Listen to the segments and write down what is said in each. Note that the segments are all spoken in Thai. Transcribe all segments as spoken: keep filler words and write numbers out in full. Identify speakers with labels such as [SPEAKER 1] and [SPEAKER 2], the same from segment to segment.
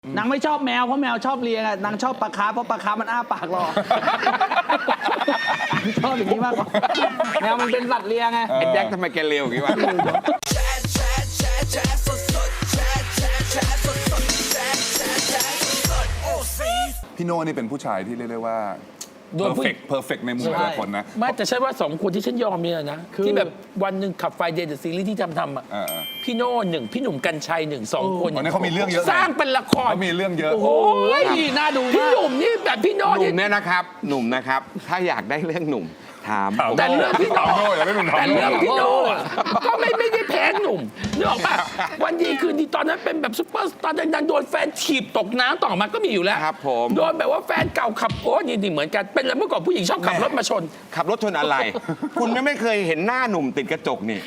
[SPEAKER 1] นางไม่ชอบแมวเพราะแมวชอบเลียงอะนางชอบปลาคาร์ฟเพราะปลาคาร์ฟมันอ้าปากรอ ชอบอย่างนี้มากกว่าแมวมันเป็นสัตว์เลียงไง
[SPEAKER 2] ไอ้แจ็คทำไมแกเร็วอย่างนี้วะ
[SPEAKER 3] พี่โน่นี่เป็นผู้ชายที่เรียกได้ว่า
[SPEAKER 4] โดนผู้
[SPEAKER 3] perfect perfect ในมุมหลายคนนะ
[SPEAKER 4] ไม่แต่ใช่ว่าสองคนที่ฉันยอมเนี่ยนะ ที่แบบวันหนึ่งขับไฟเดย์เดอะซีรีส์ที่ทำทำอ่ะ
[SPEAKER 3] เออ
[SPEAKER 4] พี่โน่หนึ่งพี่หนุ่มกัญชัยหนึ่งสองคน
[SPEAKER 3] วันนี้เขามีเรื่องเยอะนะ
[SPEAKER 4] สร้างเป็นละคร
[SPEAKER 3] เขามีเรื่องเยอะ
[SPEAKER 1] โอ้ยน่าดู
[SPEAKER 4] พี่
[SPEAKER 1] มาก
[SPEAKER 4] หนุ่มนี่แบบพี่โน่
[SPEAKER 2] หนุ่
[SPEAKER 4] นี่
[SPEAKER 2] มเนี่ยนะครับ หนุ่มนะครับ ถ้าอยากได้เรื่องหนุ่มถามผม
[SPEAKER 4] แต่เรื่องพี่โน่
[SPEAKER 3] ถามโน่อย่าได้หนุ่มถาม
[SPEAKER 4] แต่
[SPEAKER 3] โน่
[SPEAKER 4] เรื่องพี่โน่อะก็ไม่ไม่ได้แพ้หนุ่มนึกออกปะวันดีคืนดีตอนนั้นเป็นแบบซุปเปอร์สตาร์ดังๆโดนแฟนถีบตกน้ำต่อมาก็มีอยู่แล้ว
[SPEAKER 2] ครับผม
[SPEAKER 4] โดนแบบว่าแฟนเก่าขับโอ้นี่นี่เหมือนกันเป็นแล้วเมื่อก่อนผู้หญิงชอบขับรถมาชน
[SPEAKER 2] ขับรถชนอะไร คุณไม่ไม่เคยเห็นหน้าหนุ่มติดกระจกนี่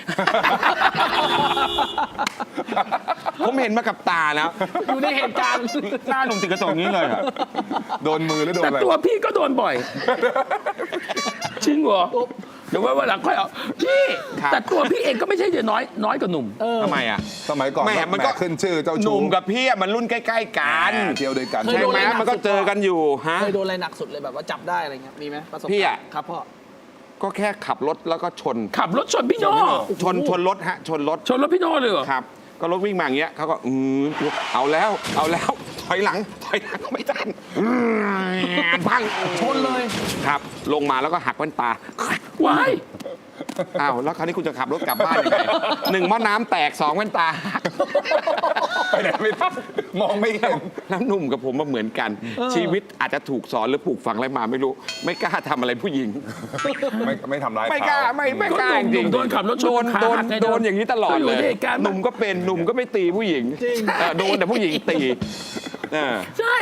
[SPEAKER 2] ผมเห็นมากับตาแล้ว
[SPEAKER 1] อยู่ในเหตุการณ์
[SPEAKER 2] หน้าหนุ่มติดกระจกนี้เลยอะ
[SPEAKER 3] โดนมือหรือโดน
[SPEAKER 4] แต่
[SPEAKER 3] อะไร
[SPEAKER 4] ตัวพี่ก็โดนบ่อย จริงเหรอเดี๋ยวไว้วันหลังค่อยเอาพี่
[SPEAKER 2] ครับ
[SPEAKER 4] แต่ตัวพี่เองก็ไม่ใช่จะน้อยน้อยกว่าหนุ่ม
[SPEAKER 2] ทำไมอ่ะ
[SPEAKER 3] สมัยก่อน
[SPEAKER 2] แหม่มันก็
[SPEAKER 3] ขึ้นชื่อเจ้า
[SPEAKER 2] ห
[SPEAKER 3] ชู้
[SPEAKER 2] นุ่มกับพี่อะมันรุ่นใกล้ๆกัน
[SPEAKER 3] อ่าเที่ยวด้วยกัน
[SPEAKER 1] เคย
[SPEAKER 2] ใช่
[SPEAKER 1] โดน
[SPEAKER 2] ไหม
[SPEAKER 1] อะไรหนัก
[SPEAKER 2] มันก็
[SPEAKER 1] สุด
[SPEAKER 2] เจอกันอยู่ฮะ
[SPEAKER 1] เคยโดนอะไรหนักสุดเลยแบบว่าจับได้อะไรเงี้ยมีไหมประสบ
[SPEAKER 2] พี่
[SPEAKER 1] การ
[SPEAKER 2] อะ
[SPEAKER 1] ณ์ครับพ่อ
[SPEAKER 2] ก็แค่ขับรถแล้วก็ชน
[SPEAKER 4] ขับรถชนพี่โน่
[SPEAKER 2] ชนชนรถฮะ ชนรถ
[SPEAKER 4] ชนรถพี่โน่เลยเหรอ
[SPEAKER 2] ครับ ก็รถวิ่งมาอย่างเงี้ยเขาก็อืมเอาแล้ว เอาแล้ว ถอยหลัง ถอยหลังไม่ทันอืมพัง
[SPEAKER 1] ชนเลย
[SPEAKER 2] ครับ ลงมาแล้วก็หักแว่นตา
[SPEAKER 4] ว้าย
[SPEAKER 2] อ้าว แล้วคราวนี้คุณจะขับรถกลับบ้านยังไงหนึ่งหม้อน้ำแตกสองแว่นตาหัก
[SPEAKER 3] ไปไหนไม่ได้มองไม่เห็น
[SPEAKER 2] แล้วหนุ่มกับผมมาเหมือนกัน ชีวิตอาจจะถูกสอนหรือปลูกฝังอะไรมาไม่รู้ ไม่กล้าทำอะไรผู้หญิง
[SPEAKER 3] ไม่ไม่ทำร้าย
[SPEAKER 2] ไม่กล้า
[SPEAKER 3] เข
[SPEAKER 2] ไม่ไม่
[SPEAKER 4] ก็
[SPEAKER 2] กล้า
[SPEAKER 4] ห
[SPEAKER 2] จ
[SPEAKER 4] นุ่
[SPEAKER 2] ริ
[SPEAKER 4] ม
[SPEAKER 2] ง
[SPEAKER 4] โดนขับรถช
[SPEAKER 2] โด
[SPEAKER 4] น
[SPEAKER 2] น
[SPEAKER 4] ขา
[SPEAKER 2] โดน
[SPEAKER 4] หักไง
[SPEAKER 2] โดนอย่างนี้ตลอด
[SPEAKER 4] ก็อยู่
[SPEAKER 2] เลย
[SPEAKER 4] ในเหตุการณ์
[SPEAKER 2] หนุ่มก็เป็นหนุ่มก็ไม่ตีผู้หญิง
[SPEAKER 1] จริง
[SPEAKER 2] เออโดนแต่ผู้หญิงตีเออ
[SPEAKER 4] ใช่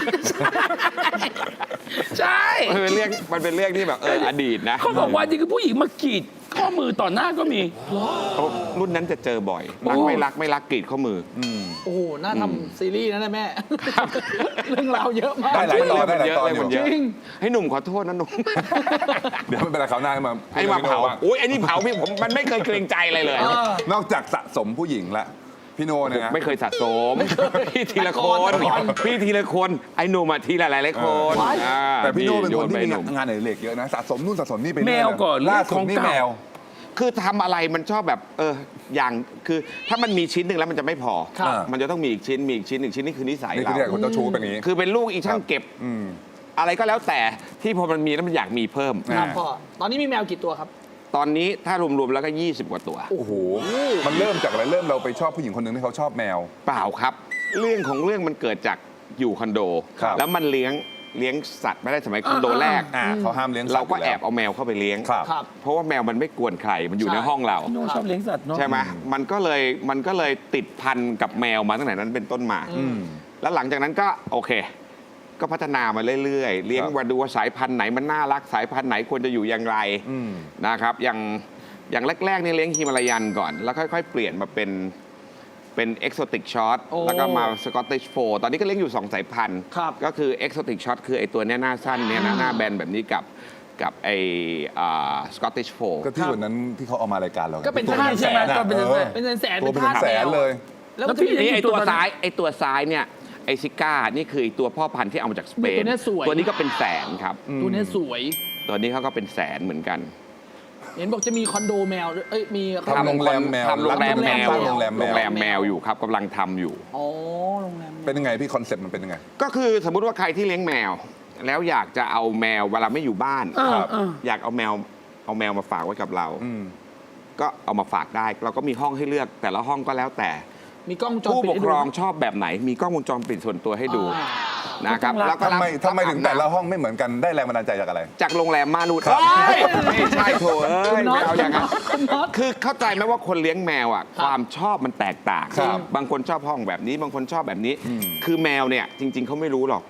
[SPEAKER 4] ใช่
[SPEAKER 2] มันเป็นเรื่องมันเป็นเรื่องที่แบบเอออดีตนะ
[SPEAKER 4] เขาบอกว่านี่คือผู้หญิงมากรีดข้อมือต่อหน้าก็มี
[SPEAKER 2] เขารุ่นนั้นจะเจอบ่อยรักไม่รักไม่รักกรีดข้อมือ
[SPEAKER 1] โอ้โหน่าทำซีรีส์นะเนี่ยแม่ เรื่องราวเยอะมาก
[SPEAKER 3] ได้หลายตอนได้หลายตอน
[SPEAKER 2] เยอะ
[SPEAKER 3] อยู่
[SPEAKER 2] เยอะ
[SPEAKER 1] จริง
[SPEAKER 2] ให้หนุ่มขอโทษนะหนุ่ม
[SPEAKER 3] เดี๋ยวไม่เป็นไรเขาวหน้ามา
[SPEAKER 2] ไอ้มาเผา
[SPEAKER 3] พูดรื่องพี่โน่บ้ง
[SPEAKER 2] โอ้ยไอ้นี่เผาพี่ผมมันไม่เคยเกรงใจอะไรเลย
[SPEAKER 1] เออ
[SPEAKER 3] นอกจากสะสมผู้หญิงละพี่โน่เนี่ยนะ
[SPEAKER 2] ไม่เคยสะสมพี่ทีละคน
[SPEAKER 1] แต่ก่อน
[SPEAKER 2] พี่ทีละคนไอ้หนุ่มอะทีละหลายหลายๆคน
[SPEAKER 1] ว้าย
[SPEAKER 2] อ่า
[SPEAKER 3] แต่พี่โน่เป็นคนที่
[SPEAKER 2] โย
[SPEAKER 3] มี
[SPEAKER 2] ไปหนุ่ม
[SPEAKER 3] งานอดิเรกเยอะนะสะสมนู่นสะสมนี่ไปเรื่อย
[SPEAKER 4] แมวก่อน
[SPEAKER 3] ล่าสุดนี่
[SPEAKER 4] เรื่องของเก่า
[SPEAKER 3] แมว
[SPEAKER 2] คือทำอะไรมันชอบแบบเอออย่างคือถ้ามันมีชิ้นหนึ่งแล้วมันจะไม่พอ
[SPEAKER 1] ครับ
[SPEAKER 2] มันจะต้องมีอีกชิ้นมีอีกชิ้นหนึ่งชิ้นนี่คือนิสัย
[SPEAKER 3] นี่คือ
[SPEAKER 2] เรา
[SPEAKER 3] เรื่องของเจ้าชู้เป็นอย่างนี้
[SPEAKER 2] คือเป็นลูกอีช่างเก็บ
[SPEAKER 3] อืม
[SPEAKER 2] อะไรก็แล้วแต่ที่พอมันมีแล้วมันอยากมีเพิ่ม
[SPEAKER 1] ครับพ่อตอนนี้มีแมวกี่ตัวครับ
[SPEAKER 2] ตอนนี้ถ้ารวมๆแล้วก็ยี่สิบกว่าตัว
[SPEAKER 3] โอ้โหมันเริ่มจากอะไรเริ่มเราไปชอบผู้หญิงคนหนึ่งที่เขาชอบแมว
[SPEAKER 2] เปล่าครับ เรื่องของเรื่องมันเกิดจากอยู่คอนโด
[SPEAKER 3] ครับ
[SPEAKER 2] แล้วมันเลี้ยงเลี้ยงสัตว์ไม่ได้สมัยคอนโดแรก
[SPEAKER 3] อ่าเขาห้ามเลี้ยงสัตว์
[SPEAKER 2] เราก็
[SPEAKER 3] ยู่
[SPEAKER 2] แอ
[SPEAKER 3] ล้ว
[SPEAKER 2] บเอาแมวเข้าไปเลี้ยง
[SPEAKER 3] ครับ
[SPEAKER 1] ครับ
[SPEAKER 2] เพราะว่าแมวมันไม่กวนใครมันอยู่ใน
[SPEAKER 1] ใช่
[SPEAKER 2] ห้องเรา
[SPEAKER 4] พี่โน่ชอบเลี้ยงสัตว์เนาะ
[SPEAKER 2] ใช่ไหมมันก็เลยมันก็เลยติดพันกับแมวมาตั้งแต่นั้นเป็นต้นมา
[SPEAKER 3] อืม
[SPEAKER 2] แล้วหลังจากนั้นก็โอเค ก็พัฒนามาเรื่อยๆ เลี้ยง
[SPEAKER 3] ครับ
[SPEAKER 2] มาดูว่าสายพันธุ์ไหนมันน่ารักสายพันธุ์ไหนควรจะอยู่อย่างไร
[SPEAKER 3] อืม
[SPEAKER 2] นะครับ อย่างอย่างแรกๆนี่เลี้ยงฮิมาลายันก่อน แล้วค่อยๆ เปลี่ยนมาเป็นเป็นเอ็กโซติกช็อต
[SPEAKER 1] โอ้
[SPEAKER 2] แล้วก็มาสกอตติชโฟตอนนี้ก็เลี้ยงอยู่สองสายพันธุ์
[SPEAKER 1] ครับ
[SPEAKER 2] ก็คือเอ็กโซติกช็อตคือไอตัวเนี้ยหน้าสั้นเนี่ยนะหน้าแบนแบบนี้กับกับไอสกอตติชโฟ
[SPEAKER 3] ก็ที่วันนั้นที่เขาเอามารายการเราไง
[SPEAKER 1] ก็เป็น
[SPEAKER 3] ตัว
[SPEAKER 1] ทาส
[SPEAKER 3] แสน
[SPEAKER 4] ใช่ไหม
[SPEAKER 3] อะ
[SPEAKER 4] ก็เป็น
[SPEAKER 3] เออ
[SPEAKER 1] เป็นแสนๆ
[SPEAKER 3] ตัวเป็น
[SPEAKER 1] ทาส
[SPEAKER 3] แสนเลย
[SPEAKER 1] แล้ว
[SPEAKER 4] แล้ว
[SPEAKER 1] พี่
[SPEAKER 4] พี่
[SPEAKER 2] นี่ไอตัว
[SPEAKER 4] ตัวนั้น
[SPEAKER 2] ซ้ายไอตัวซ้ายเนี่ยไอซิก้านี่คือไอ้ตัวพ่อพันธุ์ที่เอามาจากสเปน
[SPEAKER 1] ตัวเนี้ยสวย
[SPEAKER 2] ตัวนี้ก็เป็นแสนครับ
[SPEAKER 1] ตัวเนี้ยสวย
[SPEAKER 2] ตัวนี้เขาก็เป็นแสนเหมือนกัน
[SPEAKER 1] เห็นบอกจะมีคอนโดแมวด้วยเอ้ยมี
[SPEAKER 3] ทำโรงแรมแมว
[SPEAKER 2] ทำโรงแรมแมว
[SPEAKER 3] สร้างโรงแรมแมว
[SPEAKER 2] โรงแรมแมวอยู่ครับกำลังทำอยู่
[SPEAKER 1] อ๋อโรงแรมแมว
[SPEAKER 3] เป็นยังไงพี่คอนเซ็ปต์มันเป็นยังไง
[SPEAKER 2] ก็คือสมมุติว่าใครที่เลี้ยงแมว แล้วอยากจะเอาแมวเวลาไม่อยู่บ้าน
[SPEAKER 4] เออ
[SPEAKER 3] ครับ
[SPEAKER 4] เออ
[SPEAKER 2] อยากเอาแมวเอาแมวมาฝากไว้กับเรา
[SPEAKER 3] อืม
[SPEAKER 2] ก็เอามาฝากได้ เราก็มีห้องให้เลือก แต่ละห้องก็แล้วแต่
[SPEAKER 1] มีกล้องวงจร
[SPEAKER 2] ผู้
[SPEAKER 1] ปิด
[SPEAKER 2] ปก
[SPEAKER 1] ให้
[SPEAKER 2] ค
[SPEAKER 1] ดู
[SPEAKER 2] รองชอบแบบไหน มีกล้องวงจรปิดส่วนตัวให้ดู
[SPEAKER 1] อ่า
[SPEAKER 2] นะครับ
[SPEAKER 4] ต้องรัก
[SPEAKER 2] แล้วก็
[SPEAKER 3] ทำไม
[SPEAKER 2] รับ
[SPEAKER 3] ทำไมถึงแต่ละห้องไม่เหมือนกันได้แรงบันดาลใจจากอะไร
[SPEAKER 2] จากโรงแรมม่านูด
[SPEAKER 3] ครับ
[SPEAKER 2] เอ้ยไม่ใช่โถเอ้ย
[SPEAKER 1] คุณน็อ
[SPEAKER 2] ไม่
[SPEAKER 1] ต
[SPEAKER 2] เอาอย่างนั้น
[SPEAKER 1] คุณน็อต
[SPEAKER 2] คือเข้าใจไหมว่าคนเลี้ยงแมวอ่ะ
[SPEAKER 1] ครับ
[SPEAKER 2] ความชอบมันแตกต่าง
[SPEAKER 3] ครับ
[SPEAKER 2] บางคนชอบห้องแบบนี้ บางคนชอบแบบนี้
[SPEAKER 3] อืม
[SPEAKER 2] คือแมวเนี่ยจริง ๆเขาไม่รู้หรอก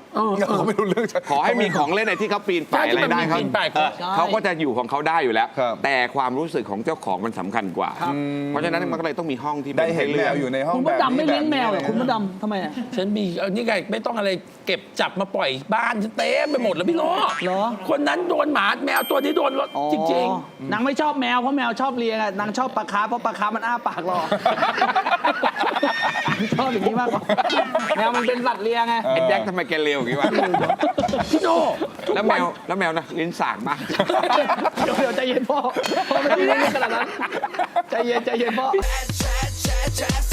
[SPEAKER 4] เออ
[SPEAKER 3] เขาไม่รู้เรื่อง
[SPEAKER 2] ขอให้มีของเล่นในที่เขาปีนป่ายอะไรได้
[SPEAKER 4] ใช่ที่มันมี
[SPEAKER 2] เขา
[SPEAKER 4] ปีนป่าย
[SPEAKER 2] เออเขาก็จะอยู่ของเขาได้อยู่แล้ว
[SPEAKER 3] ครับ
[SPEAKER 2] แต่ความรู้สึกของเจ้าของมันสำคัญกว่า เพราะฉะนั้นมันก็เลยต้องมีห้องที่
[SPEAKER 3] ได้เห็น
[SPEAKER 2] ให้
[SPEAKER 3] แม
[SPEAKER 2] ลือก
[SPEAKER 3] วอยู่ในห้อง
[SPEAKER 1] คุณ
[SPEAKER 3] แบ
[SPEAKER 1] มด
[SPEAKER 3] บ
[SPEAKER 1] ดำไม่
[SPEAKER 3] นี้
[SPEAKER 1] เลี้ยงแมวเหรอ
[SPEAKER 3] แบบนี้
[SPEAKER 1] คุณมดดำทำไมอะ
[SPEAKER 4] ฉันมีเอานี่ไงไม่ต้องอะไรเก็บจับมาปล่อยบ้านฉันเต็มไปหมดแล้วพี่โน้
[SPEAKER 1] เหรอ
[SPEAKER 4] คนนั้นโดนหมาแมวตัวนี้โดนรถ
[SPEAKER 1] อ๋อ
[SPEAKER 4] จริง
[SPEAKER 1] นางไม่ชอบแมวเพราะแมวชอบเลียงอะนางชอบปลาคาร์ฟเพราะปลาคาร์ฟมันอ้าปากรอ ชอบอย่างนี้มากกว่าแมวมันเป็นสัตว์เลียงไง
[SPEAKER 2] ไอ้แจ็คทำไมแกเร็วอย่างนี้วะ
[SPEAKER 4] ๆพี่โน้
[SPEAKER 2] แล้วแมวแล้วแมวนะลิ้นสากมาก
[SPEAKER 1] เดี๋ยวเดี๋ยวใจเย็นพ่อพ่อไม่ได้เล่นขนาดนั้นใจเย็นใจเย็นพ่อ
[SPEAKER 5] Chat, chat, chat,